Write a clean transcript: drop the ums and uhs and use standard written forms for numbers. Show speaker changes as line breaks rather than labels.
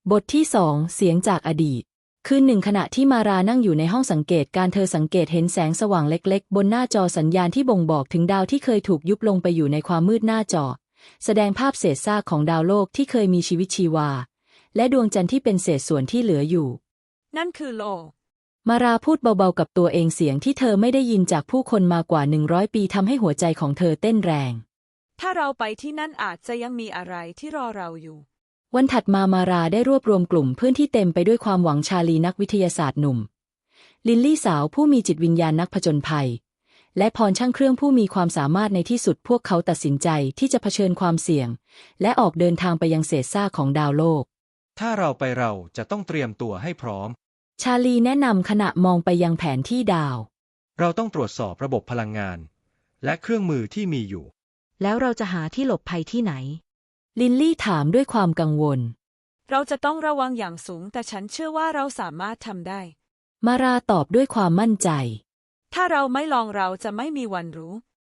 บทที่2 เสียงจากอดีตคืนหนึ่งขณะที่มารานั่งอยู่ในห้องสังเกตการเธอสังเกตเห็นแสงสว่างเล็กๆบนหน้าจอสัญญาณที่บ่งบอกถึงดาวที่เคยถูกยุบลงไปอยู่ในความมืดหน้าจอแสดงภาพเศษซากของดาวโลกที่เคยมีชีวิตชีวาและดวงจันทร์ที่เป็นเศษส่วนที่เหลืออยู่
นั่นคือโลก
มาราพูดเบาๆกับตัวเองเสียงที่เธอไม่ได้ยินจากผู้คนมากว่า100 ปีทำให้หัวใจของเธอเต้นแรง
ถ้าเราไปที่นั่นอาจจะยังมีอะไรที่รอเราอยู่
วันถัดมามาราได้รวบรวมกลุ่มเพื่อนที่เต็มไปด้วยความหวังชาลีนักวิทยาศาสตร์หนุ่มลินลี่สาวผู้มีจิตวิญญาณนักผจญภัยและพรช่างเครื่องผู้มีความสามารถในที่สุดพวกเขาตัดสินใจที่จะเผชิญความเสี่ยงและออกเดินทางไปยังเศษซากของดาวโลก
ถ้าเราไปเราจะต้องเตรียมตัวให้พร้อม
ชาลีแนะนำขณะมองไปยังแผนที่ดาว
เราต้องตรวจสอบระบบพลังงานและเครื่องมือที่มีอยู่
แล้วเราจะหาที่หลบภัยที่ไหน
ลินลี่ถามด้วยความกังวล
เราจะต้องระวังอย่างสูงแต่ฉันเชื่อว่าเราสามารถทำได้
มาราตอบด้วยความมั่นใจ
ถ้าเราไม่ลองเราจะไม่มีวันรู้